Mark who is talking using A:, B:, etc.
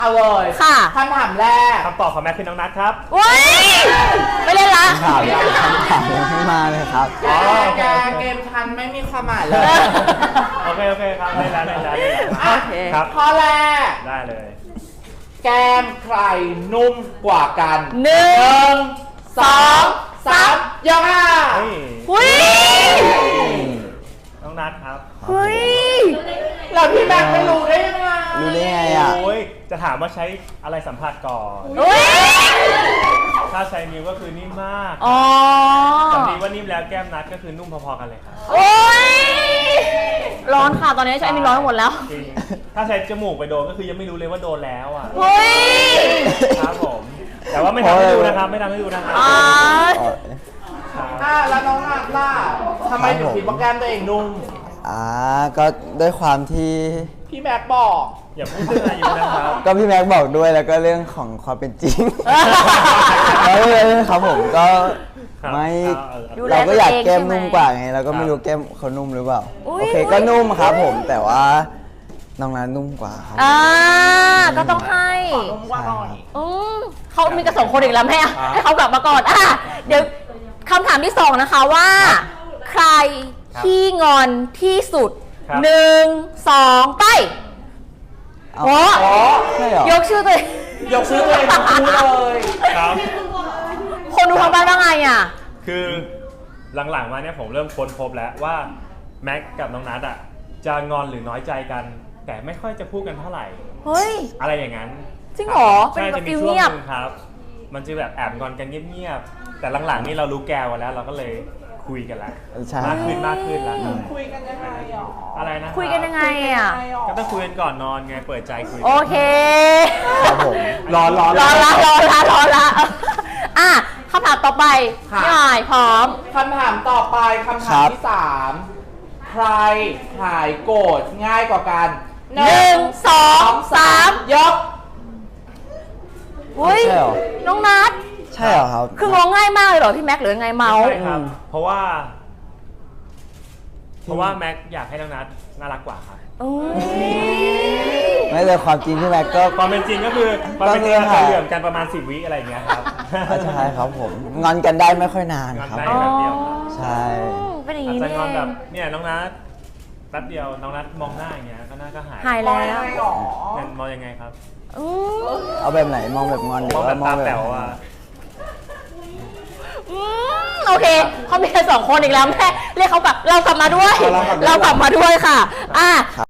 A: เอาเลย
B: ค่ะ
A: คำถามแรก
C: คำตอบของแม็กคือน้องนัทครับ
B: ว้ยไม่เล่นละ
D: คำถามยังไม่มาเลยครับ
A: แกเกมทันไม่มีความหมายเลย
C: โอเคครับได้แล้ว
A: ครับข้อแรก
C: ได้เลย
A: แก้มใครนุ่มกว่ากัน
B: 1
A: 2 3ยกค่ะ
B: หุ้ย
C: น้องนัทครับ
B: เฮ้ย
A: เราพี่แบงค์ไม่รู้ได้ยังไง
D: รู้ได้ไงอ่ะ
C: โอ้ยจะถามว่าใช้อะไรสัมผัสก่อนถ้าใช้นิ้วก็คือนิ่มมากสำนีว่านิ่มแล้วแก้มนัทก็คือนุ่มพอๆกันเลยครับ
B: โอ้ยร้อนค่ะตอนนี้ใช้มีร้อนหมดแล้ว
C: จริงถ้าใช้จมูกไปโดนก็คือยังไม่รู้เลยว่าโดนแล้วอ่ะ
B: เฮ้ย
C: ครับผมแต่ว่าไม่ทำให้ดูนะครับไม่ทำให้ดูนะครับ
A: แล้วน้องนัทล่ะทำไมถึงคิดว่าแก้มตัวเองนุ่ม
D: ก็ด้วยความที่
A: พี่แม็กบอก
C: อย่าพูดเรื่องอายุนะครับ
D: ก็พี่แม็กบอกด้วยแล้วก็เรื่องของความเป็นจริงแล้วครับผมก็ไม่เราก็อยากแก้มนุ่มกว่าไงเราก็ไม่รู้แก้มเขานุ่มหรือเปล่าโอเคก็นุ่มครับผมแต่ว่าน้องนัทนุ่มกว่าครับ
B: ก็ต้องให้
A: นุ่มกว่าหน่อย
B: เขามีกระสองคนอีกแล้วแม่ให้เขากลับมาก่อนเดี๋ยวคำถามที่2นะคะว่าใครที่งอนที่สุด1 2ไปโอ้ยกชื่อตัวเอง
A: ทั้งคู่เลย
C: ครับ
B: คนดูทางบ้านว่าไงอ่ะ
C: คือหลังๆมาเนี่ยผมเริ่มค้นพบแล้วว่าแม็กกับน้องนัทอ่ะจะงอนหรือน้อยใจกันแต่ไม่ค่อยจะพูดกันเท่าไหร่
B: เฮ้ย
C: อะไรอย่างนั้น
B: จริงเหรอ
C: เป็นแบบฟิลเงียบครับมันจะแบบแอบงอนกันเงียบๆแต่หลังๆนี่เรารู้แกวแล้วเราก็เลยคุยกันแล้วมากขึ้นแล้ว
A: คุยกันยังไง
C: อะไรนะ
B: คุยกันยังไงอ่ะ
C: ก็ต้องคุยกันก่อนนอนไงเปิดใจคุย
B: โอเค
D: ครับผม
B: รอละคำถามต่อไปพี่หน่อยพร้อม
A: คำถามต่อไปคำถามที่3ใครหายโกรธง่ายกว่ากัน
B: 1 2 3
A: ยก
B: อุ้ยน้องนัท
D: ใช่เหรอครับ
B: คืองงง่ายมากเลยเหรอพี่แม็กหรือไงเมาส์
C: ใช่ครับเพราะว่าแม็กอยากให้น้องนัทน่ารักกว่าครับ
D: ไม่เลยความจริงพี่แม็กก็
C: ความเป็นจริงก็คือมันเป็นการเหลื่อมกันประมาณ10 วิอะไรอย่างเงี้ยครับ
D: ใช่ครับผมงอนกันได้ไม่ค่อยนานครับใช่
B: เป็นอย่างนี้
C: จะงอนแบบเนี่ยน้องนัทแป๊บเดียวน้องนัทมองหน้าอย่างเงี้ยก็หน้าก็หาย
B: แล้ว
C: มองยังไงครับ
D: เอาแบบไหนมองแบบงอนหรือว่ามองแบบ
C: แป๋วอ่ะ
B: โอเคเขามีแค่2 คนอีกแล้วแม่เรียกเขากลับเรากลับมาด้วยค่ะ